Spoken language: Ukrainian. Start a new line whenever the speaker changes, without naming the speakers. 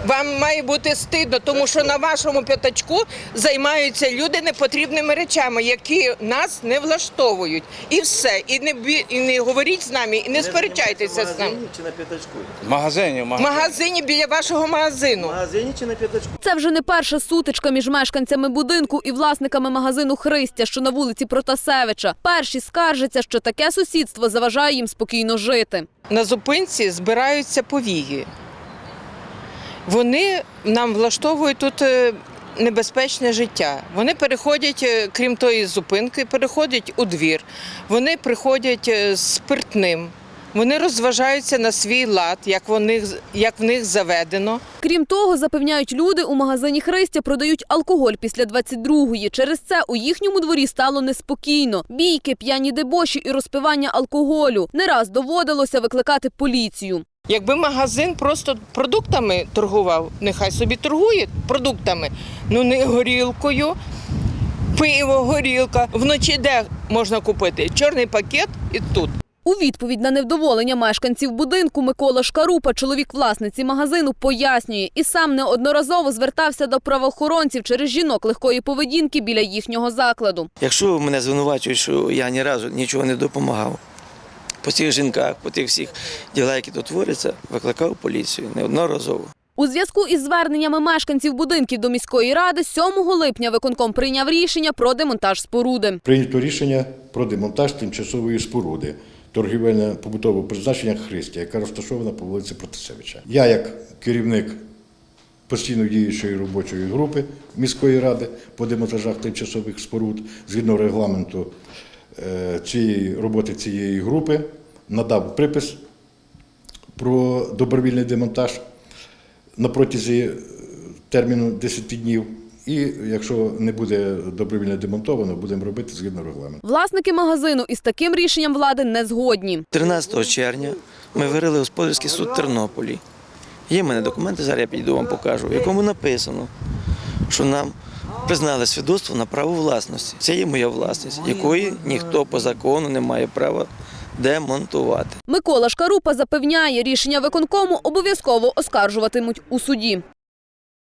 Вам має бути стидно, тому що на вашому п'ятачку займаються люди непотрібними речами, які нас не влаштовують. І все. І не говоріть з нами, і не сперечайтеся з нами.
В магазині чи на п'ятачку?
В магазині.
В магазині біля вашого магазину.
В магазині чи на п'ятачку?
Це вже не перша сутичка між мешканцями будинку і власниками магазину «Христя», що на вулиці Протасевича. Перші скаржаться, що таке сусідство заважає їм спокійно жити.
На зупинці збираються повії. Вони нам влаштовують тут небезпечне життя. Вони переходять, крім тої зупинки, переходять у двір. Вони приходять з спиртним. Вони розважаються на свій лад, як в них заведено.
Крім того, запевняють люди, у магазині «Христя» продають алкоголь після 22-ї. Через це у їхньому дворі стало неспокійно. Бійки, п'яні дебоші і розпивання алкоголю. Не раз доводилося викликати поліцію.
Якби магазин просто продуктами торгував, нехай собі торгує продуктами, ну не горілкою, пиво, горілка. Вночі де можна купити? Чорний пакет і тут.
У відповідь на невдоволення мешканців будинку Микола Шкарупа, чоловік власниці магазину, пояснює і сам неодноразово звертався до правоохоронців через жінок легкої поведінки біля їхнього закладу.
Якщо мене звинувачують, що я ні разу нічого не допомагав, по цих жінках, по тих всіх ділах, які тут творяться, викликав поліцію неодноразово.
У зв'язку із зверненнями мешканців будинків до міської ради 7 липня виконком прийняв рішення про демонтаж споруди.
Прийнято рішення про демонтаж тимчасової споруди торгівельно-побутового призначення «Христя», яка розташована по вулиці Протасевича. Я, як керівник постійно діючої робочої групи міської ради по демонтажах тимчасових споруд, згідно регламенту роботи цієї групи, надав припис про добровільний демонтаж на протязі терміну 10 днів. І якщо не буде добровільно демонтовано, будемо робити згідно регламенту.
Власники магазину із таким рішенням влади не згодні.
13 червня ми вирили господарський суд в Тернополі. Є в мене документи, зараз я підійду вам покажу, в якому написано, що нам признали свідоцтво на право власності. Це є моя власність, якої ніхто по закону не має права демонтувати.
Микола Шкарупа запевняє, рішення виконкому обов'язково оскаржуватимуть у суді.